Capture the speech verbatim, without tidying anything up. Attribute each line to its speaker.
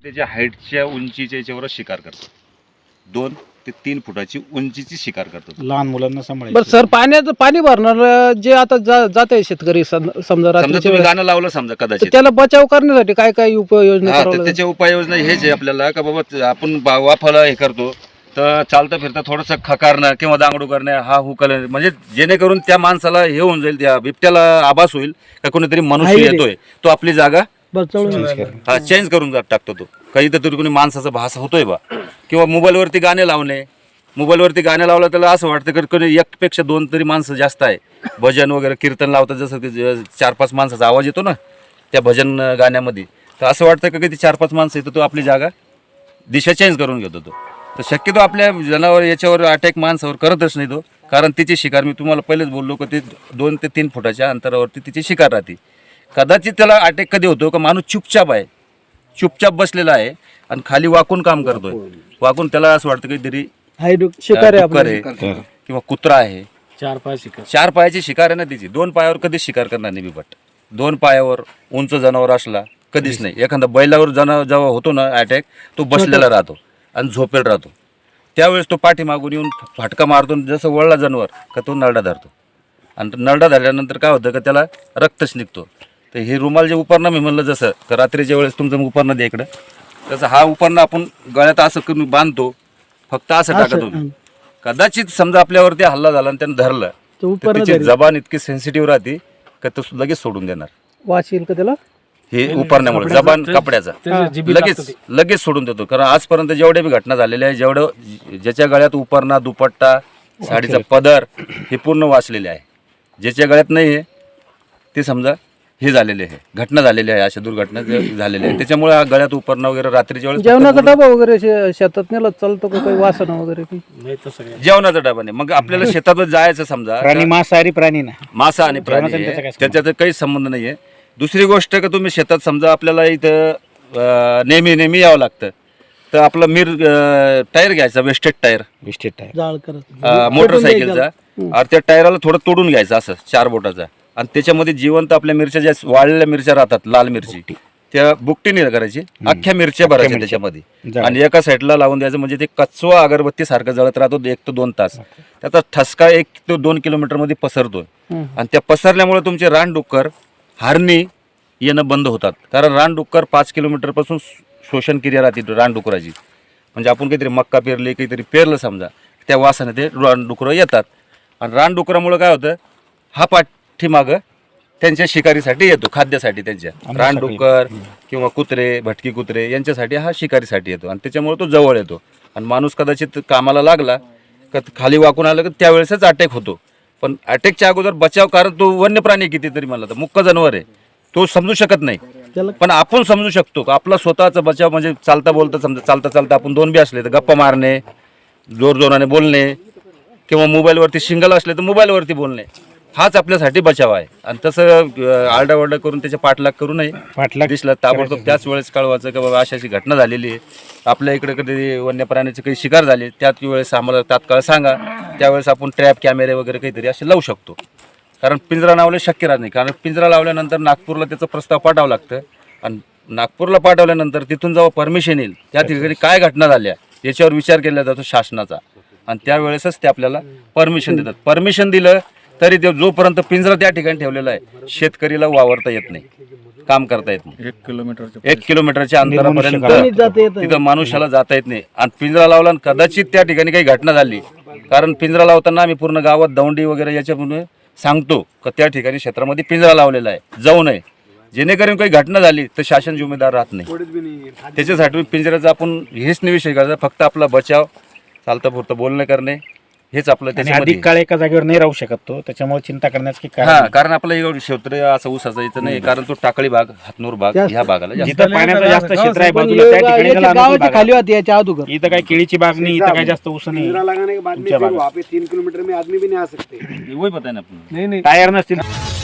Speaker 1: त्याच्या हाईटच्या उंचीच्या याच्यावर शिकार करतात. दोन ते तीन फुटाची उंचीची शिकार करतात.
Speaker 2: लहान मुलांना सांभाळायचं.
Speaker 3: बरं सर, पाण्याचं पाणी भरणार जे आता जात आहे शेतकरी सम- समजा
Speaker 1: समजा
Speaker 3: रात्रीच्या
Speaker 1: तुम्ही
Speaker 3: वेळेस,
Speaker 1: गाणं लावलं समजा
Speaker 3: तर
Speaker 1: कदाचित,
Speaker 3: त्याला बचाव करण्यासाठी काय काय उपाययोजना
Speaker 1: हा
Speaker 3: करावं
Speaker 1: तर
Speaker 3: लागेल?
Speaker 1: त्याच्या उपाययोजना हेच आहे आपल्याला का बाबा आपण बा- वाफाला हे करतो तर चालता फिरता थोडंसं खकारणं किंवा दांगडू करणं, हा हुकल, म्हणजे जेणेकरून त्या माणसाला हे होऊन जाईल, त्या बिबट्याला आभास होईल का कोणीतरी मनुष्य
Speaker 3: आहे रे.
Speaker 1: येतोय, तो आपली जागा
Speaker 3: बचावून
Speaker 1: हा चेंज करून जात टाकतो. तो काही तरी कोणी माणसाचा भास होतोय बा. किंवा मोबाईलवरती गाणे लावणे, मोबाईलवरती गाणे लावलं त्याला असं वाटतं की कोणी एकपेक्षा दोन तरी माणसं जास्त आहे. भजन वगैरे कीर्तन लावतात, जसं की चार पाच माणसाचा आवाज येतो ना त्या भजन गाण्यामध्ये, तर असं वाटतं का ते चार पाच माणसं येतो, तो आपली जागा दिशा चेंज करून घेतो. तो तर शक्यतो आपल्या जनावर याच्यावर अटॅक माणसावर करतच नाही तो, कारण तिची शिकार मी तुम्हाला पहिलेच बोललो की ते दोन ते तीन फुटाच्या अंतरावरती तिची शिकार राहते. कदाचित त्याला अटॅक कधी होतो का माणूस चुपचाप आहे, चुपचाप बसलेला आहे आणि खाली वाकून काम करतोय. वाकून त्याला असं वाटतं काहीतरी
Speaker 3: शिकार आहे
Speaker 1: डुक्कर
Speaker 3: आपलं.
Speaker 1: आहे किंवा कुत्रा आहे.
Speaker 2: चार पाय शिकार
Speaker 1: चार पायाची शिकार आहे ना तिची. दोन पायावर कधीच शिकार करणार नाही बिबट. दोन पायावर उंच जनावर असला कधीच नाही. एखादा बैलावर जनावर जेव्हा होतो ना अटॅक, तो बसलेला राहतो आणि झोपेल राहतो. त्यावेळेस तो पाठीमागून येऊन फाटका मारतो, जसं वळला जनावर का तो नरडा धरतो. आणि नरडा धरल्यानंतर काय होतं का त्याला रक्तच निघतो. तर हे रुमाल जे उपरणं मी म्हणलं, जसं का रात्रीच्या वेळेस तुमचं उपरणं द्या इकडं, तसं हा उपरणं आपण गळ्यात असं करून बांधतो, फक्त असं टाकत तुम्ही. कदाचित समजा आपल्यावरती हल्ला झाला आणि त्यानं धरलं तर तिची जबान इतकी सेन्सिटिव्ह राहते का तो लगेच सोडून देणार.
Speaker 3: वास येईल का त्याला?
Speaker 1: हे उपरण्यामुळे जबान कपड्याचा लगेच लगेच सोडून देतो. कारण आजपर्यंत जेवढ्या बी घटना झालेल्या आहे, जेवढं ज्याच्या गळ्यात उपरणा, दुपट्टा, साडीचा पदर हे पूर्ण वाचलेले आहे. ज्याच्या गळ्यात नाही आहे ते समजा हे झालेले आहे, घटना झालेली आहे, अशा दुर्घटना झालेल्या आहेत. त्याच्यामुळे हा गळ्यात उपरणा वगैरे रात्रीच्या वेळेस
Speaker 3: जेवणाचा डबा वगैरे शे- शेतात नेला चालतो का काही वासना वगैरे काही?
Speaker 2: नाही तसं काय.
Speaker 1: जेवणाचा डबा नाही. मग आपल्याला शेतातच जायचं समजा,
Speaker 2: प्राणी मांसाहारी प्राणी ना.
Speaker 1: मासा आणि प्राणी
Speaker 2: जेवणाचा
Speaker 1: आहे,
Speaker 2: त्याचा काय
Speaker 1: त्याच्यात काही संबंध नाही आहे. दुसरी गोष्ट का तुम्ही शेतात समजा आपल्याला इथं अं, नेहमी नेहमी यावं लागतं, तर आपला मिर अं, टायर घ्यायचा, वेस्टेड टायर
Speaker 2: बिस्टेट आहे.
Speaker 3: जाळ करत
Speaker 1: अं, मोटरसायकलचा, आणि त्या टायराला थोडं तोडून घ्यायचं असं चार बोटाचा, आणि त्याच्यामध्ये जिवंत आपल्या मिरच्या ज्या वाळलेल्या मिरच्या राहतात, लाल मिरची, त्या बुकटीने करायची, अख्ख्या मिरच्या भरायच्या त्याच्यामध्ये आणि एका साईडला लावून द्यायचं. म्हणजे ते कचवा अगरबत्ती सारखं जळत राहतो एक ते दोन तास. त्याचा ठसका एक ते दोन किलोमीटर मध्ये पसरतो, आणि त्या पसरल्यामुळे तुमचे रानडुक्कर, हरणी येणं बंद होतात. कारण रानडुक्कर पाच किलोमीटर पासून शोषण क्रिया राहते रानडुकराची. म्हणजे आपण काहीतरी मक्का पेरले, काहीतरी पेरलं समजा, त्या वासाने ते रानडुकरं येतात. आणि रानडुकरामुळे काय होतं, हा पाठीमागं त्यांच्या शिकारीसाठी येतो, खाद्यासाठी. त्यांच्या रानडुक्कर किंवा कुत्रे, भटकी कुत्रे यांच्यासाठी हा शिकारीसाठी येतो, आणि त्याच्यामुळे तो जवळ येतो. आणि माणूस कदाचित कामाला लागला का खाली वाकून आलं का त्यावेळेसच अटॅक होतो. पण अटॅकच्या अगोदर बचाव, कारण तो वन्य प्राणी कितीतरी म्हणला तर मुक्क जनावर आहे, तो समजू शकत नाही. पण आपण समजू शकतो का आपला स्वतःचा बचाव. म्हणजे चालता बोलता समजा, चालता चालता आपण दोन बी असले तर गप्पा मारणे, जोर जोराने बोलणे, किंवा मोबाईलवरती शिंगल असले तर मोबाईलवरती बोलणे, हाच आपल्यासाठी बचाव आहे. आणि तसं आरडाओरडा करून त्याच्या पाठलाग करू नये.
Speaker 2: पाठलाग
Speaker 1: दिसलं ताबडतोब त्याच वेळेस कळवायचं की बाबा अशी अशी घटना झालेली आहे, आपल्या इकडे कधी वन्य प्राण्याची काही शिकार झाली, त्याच वेळेस आम्हाला तात्काळ सांगा. त्यावेळेस आपण ट्रॅप कॅमेरे वगैरे काहीतरी असे लावू शकतो. कारण पिंजरा लावले शक्य राहत नाही. कारण पिंजरा लावल्यानंतर नागपूरला त्याचा प्रस्ताव पाठवावा लागतं, आणि नागपूरला पाठवल्यानंतर तिथून जेव्हा परमिशन येईल, त्या ठिकाणी काय घटना झाल्या याच्यावर विचार केला जातो शासनाचा, आणि त्यावेळेसच ते आपल्याला परमिशन देतात. परमिशन दिलं तरी ते जोपर्यंत पिंजरा त्या ठिकाणी ठेवलेला आहे, शेतकरीला वावरता येत नाही, काम करता येत नाही.
Speaker 2: एक किलोमीटर
Speaker 1: एक किलोमीटरच्या अंतरापर्यंत तिथं मनुष्याला जाता येत नाही. आणि पिंजरा लावला आणि कदाचित त्या ठिकाणी काही घटना झाली, कारण पिंजरा लावताना आम्ही पूर्ण गावात दौंडी वगैरे याच्यामुळे सांगतो का त्या ठिकाणी क्षेत्रामध्ये पिंजरा लावलेला आहे, जाऊ नये. जेणेकरून काही घटना झाली तर शासन जिम्मेदार राहत नाही. त्याच्यासाठी पिंजऱ्याचा आपण हेच नाही विषय करायचा, फक्त आपला बचाव, चालतं पुरतं बोलणं करणे, हेच आपलं त्याच्यामध्ये.
Speaker 2: अधिक काळ एका जागेवर नाही राहू शकत तो, त्याच्यामुळे चिंता करण्याचं की
Speaker 1: हा, कारण आपलं एवढं क्षेत्र असं ऊसाचं इथं नाही, कारण तो टाकळी भाग, हातनूर भाग ह्या भागाला जास्त.
Speaker 2: जिथं पाण्याचं जास्त क्षेत्र आहे बाजूला, त्या ठिकाणी त्याला अनुकूल
Speaker 3: गावाच्या
Speaker 2: भाग
Speaker 3: खाली होती याच्या अगोदर.
Speaker 2: आहे. इथं काही केळीची बाग नाही, इथं काही जास्त ऊस नाही.
Speaker 4: लगाने के बाद में फिर वहाँ पे तीन किलोमीटर में आदमी भी नहीं आ सकते।
Speaker 1: वही पता है ना आपण.
Speaker 3: नाही नाही
Speaker 2: टायर नसतील.